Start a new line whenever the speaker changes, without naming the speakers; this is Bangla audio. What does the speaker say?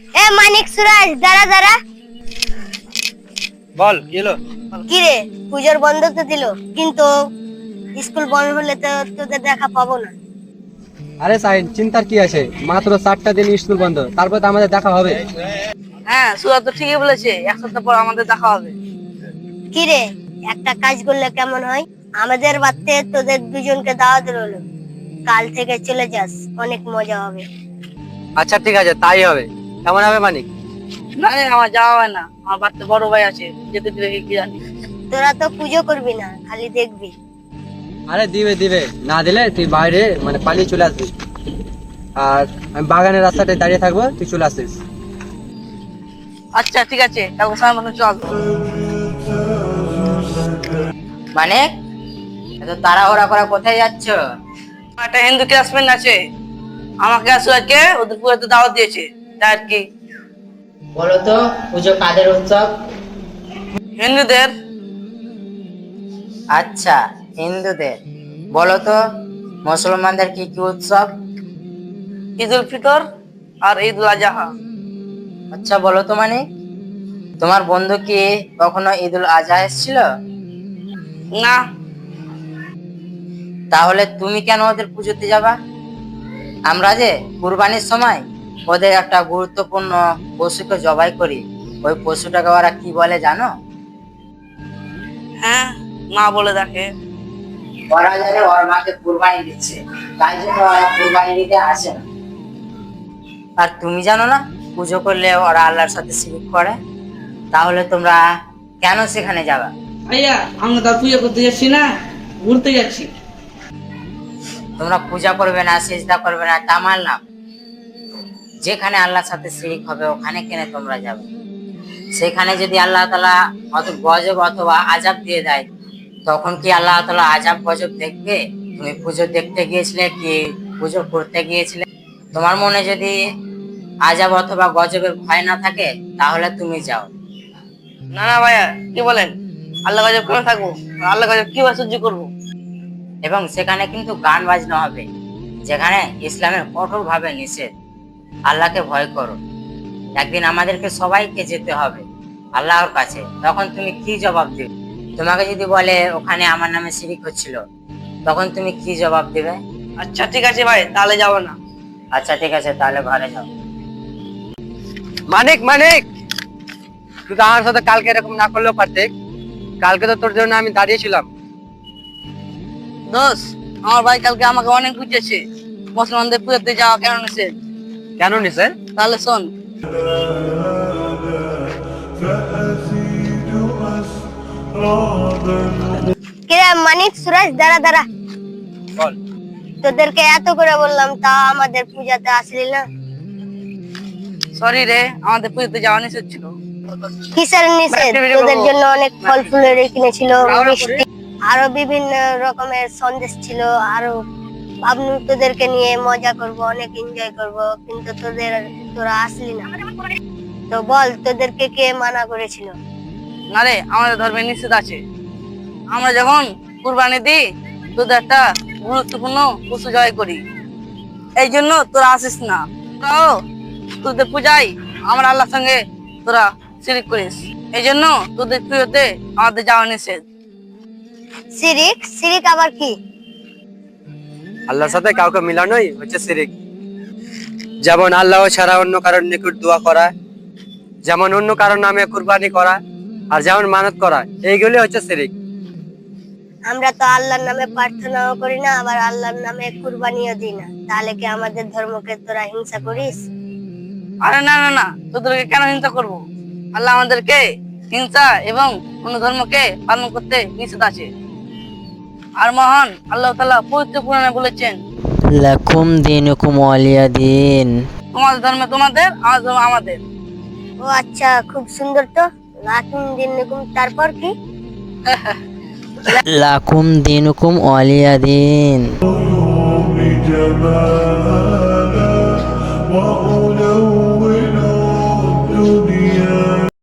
এ মানিক সুরাজ, দাঁড়া দাঁড়া।
বল কি হলো?
কি রে, পুজোর বন্ধ তো দিল, কিন্তু স্কুল বন্ধ হলে তো তোদের দেখা পাবো না।
আরে সাইন, চিন্তার কি আছে? মাত্র 4টা দিন স্কুল বন্ধ, তারপর তো আমাদের দেখা হবে।
হ্যাঁ, সুরাজ তো ঠিকই বলেছে, এক সপ্তাহ পর আমাদের দেখা হবে।
কি রে, একটা কাজ করলে কেমন হয়? আমাদের বাড়িতে তোদের দুজনকে দাওয়াত রইলো, কাল থেকে চলে যাস, অনেক মজা হবে।
আচ্ছা ঠিক আছে, তাই হবে। কেমন হবে মানিক?
না রে, আমার যাওয়া হয় না, আমার বাড়িতে বড় ভাই আছে, যেতে দিলে কি জানি।
তোরা তো পুজো করবি না, খালি দেখবি।
আরে দিবে দিবে, না দিলে তুই বাইরে পালিয়ে চলে আসবি, আর আমি বাগানের রাস্তাটায় দাঁড়িয়ে থাকবো, তুই চলে আসিস।
আচ্ছা ঠিক আছে, কালকে সময় মতো চল।
মানে এত তাড়াহুড়া করে কোথায় যাচ্ছ?
একটা হিন্দু ক্লাসমেট আছে, আমাকে আর সুরাজকে ওদের পুজোতে দাওয়াত দিয়েছে, তাই আর কি।
বলো তো, পুজো কাদের উৎসব?
হিন্দুদের।
আচ্ছা, হিন্দুদের। বলো তো, মুসলমানদের কি কি উৎসব?
ঈদ উল ফিতর আর ঈদ উল আজহা।
আচ্ছা বলো তো, মানে তোমার বন্ধু কি কখনো ঈদ উল আজহা এসেছিল?
না।
তাহলে তুমি কেন ওদের পুজোতে যাবা? আমরা যে কুরবানির সময় ওদের একটা গুরুত্বপূর্ণ পশুকে জবাই করি, ওই পশুটাকে ওরা কি বলে জানো?
হ্যাঁ, মা বলে দেখে।
ওরা জানে ওর মাকে কুরবানি দিচ্ছে, তাই জন্য ওরা কুরবানি দিতে আসে না। আর তুমি জানো না, পুজো করলে ওরা আল্লাহর সাথে শিরক করে? তাহলে তোমরা কেন সেখানে যাবা?
ভাইয়া, আমরা তো পুজো করতে যাচ্ছি না, ঘুরতে যাচ্ছি।
তোমরা পূজা করবে না, সিজদা করবে না, তামাল না, যেখানে আল্লাহর সাথে শিরক হবে ওখানে কেন তোমরা যাবে? সেখানে যদি আল্লাহ তাআলা অত গজব অথবা আযাব দিয়ে দেয়, তখন কি আল্লাহ তাআলা আযাব গজব দেখবে? তুমি পুজো দেখতে গিয়েছিলে কি পুজো করতে গিয়েছিলে? তোমার মনে যদি আযাব অথবা গজবের ভয় না থাকে, তাহলে তুমি যাও।
না না ভাইয়া, কি বলেন? আল্লাহ গজব কেন থাকবো? আল্লাহ গজব কিভাবে সহ্য করবো?
এবং সেখানে কিন্তু গান বাজনা হবে, যেখানে ইসলামের কঠোর ভাবে নিষেধ। আল্লাহকে ভয় করো। একদিন আমাদেরকে সবাইকে যেতে হবে আল্লাহর কাছে, তখন তুমি কি জবাব দেবে? তোমাকে যদি বলে ওখানে আমার নামে শিরিক হচ্ছিল, তখন তুমি কি জবাব দেবে?
আচ্ছা ঠিক আছে ভাই, তাহলে যাবো না।
আচ্ছা ঠিক আছে, তাহলে ঘরে যাও।
মানিক মানিক, তুই তো আমার সাথে কালকে এরকম না করলেও পারতে। কালকে তো তোর জন্য আমি দাঁড়িয়েছিলাম।
দোষ, আমার ভাই কালকে আমাকে অনেক বুঝিয়েছে মুসলমানদের পুজোতে যাওয়া কেন নিষেধ।
কেন নিছেন?
তাহলে শোন।
কিরে মানিক সুরাজ, দাঁড়া দাঁড়া।
বল।
তোদেরকে এত করে বললাম, তা আমাদের পূজাতে আসলি না।
সরি রে, আমাদের পুজোতে যাওয়া নিষেধ ছিল।
কিসের নিষেধ? তোদের জন্য অনেক ফল ফুলের কিনেছিল, মিষ্টি, আরো বিভিন্ন রকমের সন্দেশ ছিল, আরো ভাবনু তোদেরকে নিয়ে মজা করব, অনেক এনজয় করব, কিন্তু তোরা আসলি না। তো বল, তোদেরকে কে মানা করেছিল?
না রে, আমাদের ধর্মে নিষেধ আছে। আমরা যখন কুরবানি দিই, তোদের একটা গুরুত্বপূর্ণ পশু জবাই করি, এই জন্য তোরা আসিস না। তোরাও তোদের পূজায় আমরা আল্লাহর সঙ্গে তোরা শিরিক করিস, এই জন্য তোদের পুজোতে আমাদের যাওয়া নিষেধ।
শিরিক? শিরিক আবার কি?
আল্লাহর সাথে কাউকে মিলানোই হচ্ছে শিরিক। যেমন আল্লাহ ছাড়া অন্য কারোর নিকট দোয়া করা, যেমন অন্য কারোর নামে কুরবানি করা, আর যেমন মানত করা, এইগুলি হচ্ছে শিরিক।
আমরা তো আল্লাহর নামে প্রার্থনাও করি না, আবার আল্লাহর নামে কুরবানিও দিই না, তাহলে কি আমাদের ধর্মকে তোরা হিংসা করিস?
আরে না না না, তোদেরকে কেন হিংসা করব? আল্লাহ আমাদেরকে হিংসা এবং অন্য ধর্মকে পালন করতে নিষেধ আছে। আর মহান আল্লাহ তাআলা পবিত্র কোরআনে বলেছেন,
লাকুম দিনুকুম ওয়ালিয়া দিন।
তোমাদের ধর্মে তোমাদের, আমাদের ধর্ম আমাদের।
ও আচ্ছা, খুব সুন্দর তো। লাকুম দিনুকুম, তারপর কি?
লাকুম দিনুকুম ওয়ালিয়া দিন।